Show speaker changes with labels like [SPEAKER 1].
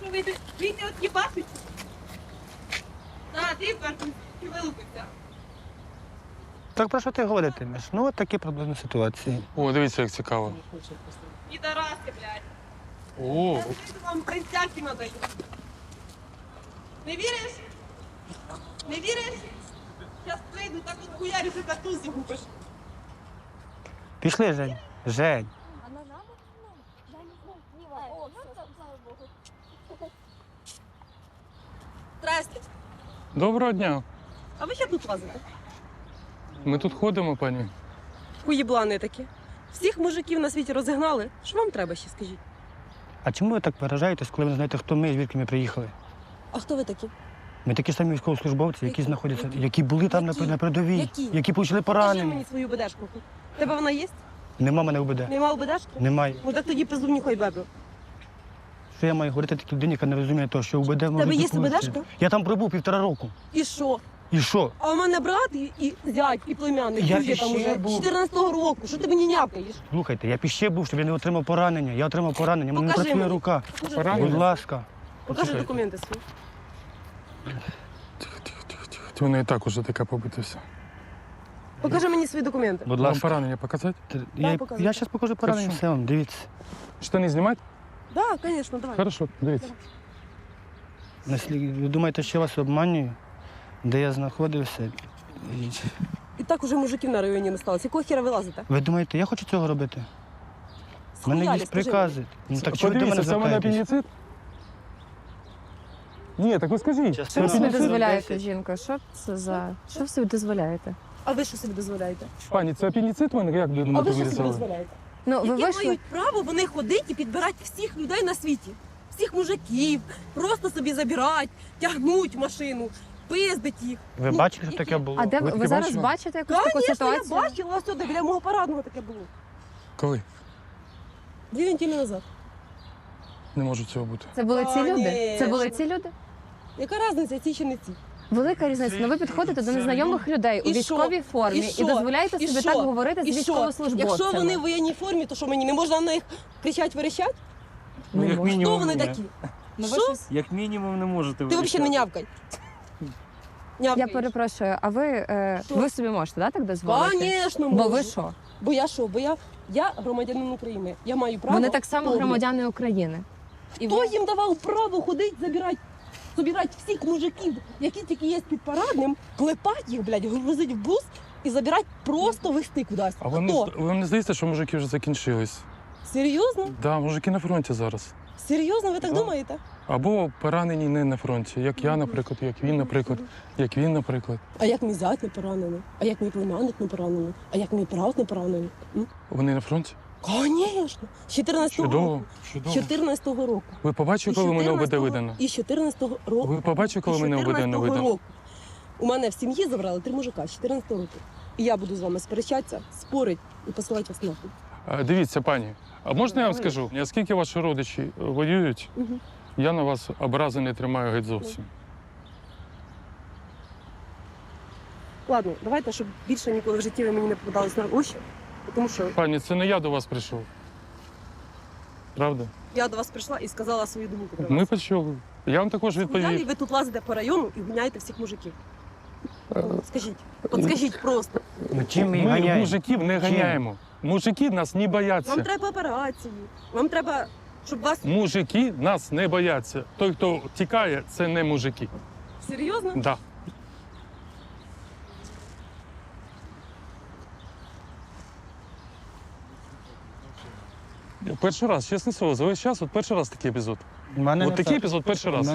[SPEAKER 1] що вийти от їбашить? Так, ти перший вилупився.
[SPEAKER 2] Так про що ти говоритимеш? Ну, от такі проблемні ситуації.
[SPEAKER 3] О, дивіться, як цікаво.
[SPEAKER 1] Підараси, блядь.
[SPEAKER 3] О,
[SPEAKER 1] Я прийду вам концерті надаю. Не віриш? Не віриш? Зараз прийду, так от хуярю, ти тату зігубиш.
[SPEAKER 2] Пішли, Жень. Жень.
[SPEAKER 4] А на нам? Я не знаю. Не О, ну, слава Богу.
[SPEAKER 1] Здрасте.
[SPEAKER 3] доброго дня.
[SPEAKER 1] А ви що тут лазите?
[SPEAKER 3] Ми тут ходимо, пані.
[SPEAKER 1] Хуєблани такі. Всіх мужиків на світі розігнали. Що вам треба ще, скажіть?
[SPEAKER 2] А чому ви так виражаєтесь, коли ви не знаєте, хто ми і звідки ми приїхали?
[SPEAKER 1] А хто ви такі?
[SPEAKER 2] Ми такі самі військовослужбовці, які
[SPEAKER 1] Які?
[SPEAKER 2] знаходяться,
[SPEAKER 1] Які?
[SPEAKER 2] які були там
[SPEAKER 1] Які?
[SPEAKER 2] на передовій,
[SPEAKER 1] Які?
[SPEAKER 2] які почали
[SPEAKER 1] Покажи
[SPEAKER 2] поранені.
[SPEAKER 1] мені свою БДшку. Тебе вона є?
[SPEAKER 2] Нема мене УБД.
[SPEAKER 1] Нема БДшки?
[SPEAKER 2] Немає.
[SPEAKER 1] Ну так тоді пизду нюхай бебру.
[SPEAKER 2] Що я маю говорити такій людині, яка не розуміє того, що УБД може
[SPEAKER 1] Тебе є
[SPEAKER 2] бути
[SPEAKER 1] УБДшка?
[SPEAKER 2] лучше? Я там пробув 1,5 року.
[SPEAKER 1] І що?
[SPEAKER 2] І що?
[SPEAKER 1] А у мене брат і зять, і племянник.
[SPEAKER 2] Я
[SPEAKER 1] Друзі там
[SPEAKER 2] ще
[SPEAKER 1] уже
[SPEAKER 2] був.
[SPEAKER 1] 14-го року. Що ти мені няпаєш?
[SPEAKER 2] Слухайте, я ще був, щоб я не отримав поранення. Я отримав поранення, в мене не
[SPEAKER 1] Покажи
[SPEAKER 2] працює
[SPEAKER 1] мені.
[SPEAKER 2] рука.
[SPEAKER 1] Покажи,
[SPEAKER 3] Поранення?
[SPEAKER 2] Будь ласка.
[SPEAKER 1] Покажи
[SPEAKER 3] Почекайте.
[SPEAKER 1] документи свої.
[SPEAKER 3] Тихо. Вона і так уже така побита вся.
[SPEAKER 1] Покажи мені свої документи.
[SPEAKER 2] Будь
[SPEAKER 3] Вам
[SPEAKER 2] ласка.
[SPEAKER 3] поранення показати?
[SPEAKER 2] Я
[SPEAKER 1] показуй.
[SPEAKER 2] зараз покажу поранення,
[SPEAKER 3] Хорошо.
[SPEAKER 2] все вам, дивіться.
[SPEAKER 3] Штани знімати?
[SPEAKER 1] Так, да, звісно, давай.
[SPEAKER 3] Хорошо, дивіться.
[SPEAKER 2] Ви думаєте, що я вас обманюю? Де я знаходився?
[SPEAKER 1] І так уже мужиків на районі не сталося. Якого хіра ви лазите?
[SPEAKER 2] Ви думаєте, я хочу цього робити? У мене
[SPEAKER 1] Схуялі,
[SPEAKER 2] є
[SPEAKER 1] скажи
[SPEAKER 2] прикази. Ну так чого ви до мене
[SPEAKER 3] Подивіться, це в мене
[SPEAKER 2] звертаєтесь?
[SPEAKER 3] апендицит? Ні, так ви скажіть.
[SPEAKER 2] Частина
[SPEAKER 3] Це
[SPEAKER 5] Що ви собі
[SPEAKER 3] апендицит?
[SPEAKER 5] дозволяєте, жінка? Що це за... Що ви собі дозволяєте?
[SPEAKER 1] мені. А ви що собі дозволяєте?
[SPEAKER 3] Пані, це апендицит в мене? Як ви
[SPEAKER 1] А
[SPEAKER 3] мене
[SPEAKER 1] ви що собі
[SPEAKER 3] вирізали?
[SPEAKER 1] дозволяєте?
[SPEAKER 5] Ну, ви
[SPEAKER 1] Які
[SPEAKER 5] вийшли...
[SPEAKER 1] мають право вони ходити і підбирати всіх людей на світі? Всіх мужиків, просто собі забирати, тягнуть в машину, пиздить їх.
[SPEAKER 2] Ви
[SPEAKER 1] Ну,
[SPEAKER 2] бачили, що
[SPEAKER 1] які?
[SPEAKER 2] таке було?
[SPEAKER 5] А де
[SPEAKER 3] Ви таке
[SPEAKER 5] ви зараз
[SPEAKER 3] бачили?
[SPEAKER 5] бачите якусь таку
[SPEAKER 1] Звісно, я
[SPEAKER 5] ситуацію?
[SPEAKER 1] бачила, ось сюди, біля мого парадного таке було.
[SPEAKER 3] Коли?
[SPEAKER 1] 2 неділі назад.
[SPEAKER 3] Не може цього бути.
[SPEAKER 5] Це були ці люди? Це
[SPEAKER 1] Конечно.
[SPEAKER 5] були ці люди?
[SPEAKER 1] Яка різниця, ці чи не ці?
[SPEAKER 5] Велика різниця. Ну ви підходите до незнайомих людей у
[SPEAKER 1] І що?
[SPEAKER 5] військовій формі
[SPEAKER 1] І
[SPEAKER 5] і
[SPEAKER 1] що?
[SPEAKER 5] дозволяєте
[SPEAKER 1] І
[SPEAKER 5] собі
[SPEAKER 1] що?
[SPEAKER 5] так говорити з
[SPEAKER 1] І що?
[SPEAKER 5] військовослужбовцями.
[SPEAKER 1] Якщо вони в воєнній формі, то що мені не можна на них кричати, верещати?
[SPEAKER 5] Не
[SPEAKER 6] як
[SPEAKER 5] можна.
[SPEAKER 1] Хто вони такі? Що?
[SPEAKER 6] Як мінімум не можете
[SPEAKER 1] Ти взагалі не нявкай.
[SPEAKER 5] Я
[SPEAKER 1] Нявкаєш.
[SPEAKER 5] перепрошую, а
[SPEAKER 1] Що?
[SPEAKER 5] ви собі можете, да, так дозволити?
[SPEAKER 1] Звісно,
[SPEAKER 5] Бо
[SPEAKER 1] можу.
[SPEAKER 5] ви що?
[SPEAKER 1] Бо я що? Бо я громадянин України. Я маю право.
[SPEAKER 5] Вони так само
[SPEAKER 1] повне.
[SPEAKER 5] громадяни України. І
[SPEAKER 1] Хто
[SPEAKER 5] ви...
[SPEAKER 1] їм давав право ходити, забирати всіх мужиків, які тільки є під парадним, клепати їх, блядь, грузити в бус і забирати, просто везти кудись.
[SPEAKER 3] А вам
[SPEAKER 1] Хто?
[SPEAKER 3] вам не здається, що мужики вже закінчились?
[SPEAKER 1] Серйозно?
[SPEAKER 3] Да, мужики на фронті зараз.
[SPEAKER 1] Серйозно, ви так
[SPEAKER 3] Да.
[SPEAKER 1] думаєте?
[SPEAKER 3] Або поранені не на фронті, як я, наприклад, як він, наприклад.
[SPEAKER 1] А як мій зять не поранений? А як мій племянник не поранений? А як мій брат не поранений?
[SPEAKER 3] Вони на фронті?
[SPEAKER 1] Звісно. З 14-го
[SPEAKER 3] Чудово,
[SPEAKER 1] року. З
[SPEAKER 3] чудово.
[SPEAKER 1] 14-го року.
[SPEAKER 3] Ви побачили, коли мене ОБД видано?
[SPEAKER 1] І з 14-го року.
[SPEAKER 3] Ви побачили, коли
[SPEAKER 1] І з
[SPEAKER 3] мене ОБД не
[SPEAKER 1] 14-го
[SPEAKER 3] видано?
[SPEAKER 1] року. У мене в сім'ї забрали 3 мужика з 14-го року. І я буду з вами сперечатися, спорити і посилати вас нахуй.
[SPEAKER 3] Дивіться, пані, а можна я вам скажу? Оскільки ваші родичі воюють,
[SPEAKER 1] Мгм.
[SPEAKER 3] я на вас образи не тримаю геть зовсім.
[SPEAKER 1] Ладно, давайте, щоб більше ніколи в житті ви мені не попадались на очі, тому що
[SPEAKER 3] Пані, це не я до вас прийшов. Правда?
[SPEAKER 1] я до вас прийшла і сказала свою думку про
[SPEAKER 3] Ми
[SPEAKER 1] вас.
[SPEAKER 3] почули. Я вам також
[SPEAKER 1] Далі
[SPEAKER 3] відповів.
[SPEAKER 1] ви тут лазите по району і ганяєте всіх мужиків. Скажіть, от скажіть просто.
[SPEAKER 2] Ну чим ми їх
[SPEAKER 3] Ми
[SPEAKER 2] ганяємо?
[SPEAKER 3] мужиків не
[SPEAKER 2] Чим?
[SPEAKER 3] ганяємо. Мужики нас не
[SPEAKER 1] Вам
[SPEAKER 3] бояться.
[SPEAKER 1] треба операції, вам треба, щоб вас
[SPEAKER 3] Мужики нас не бояться. Той, хто тікає, це не мужики.
[SPEAKER 1] серйозно.
[SPEAKER 3] Да. Перший раз, чесне слово, за весь час, от перший раз такий епізод.
[SPEAKER 2] У мене
[SPEAKER 3] От
[SPEAKER 2] не
[SPEAKER 3] такий
[SPEAKER 2] так.
[SPEAKER 3] епізод перший раз.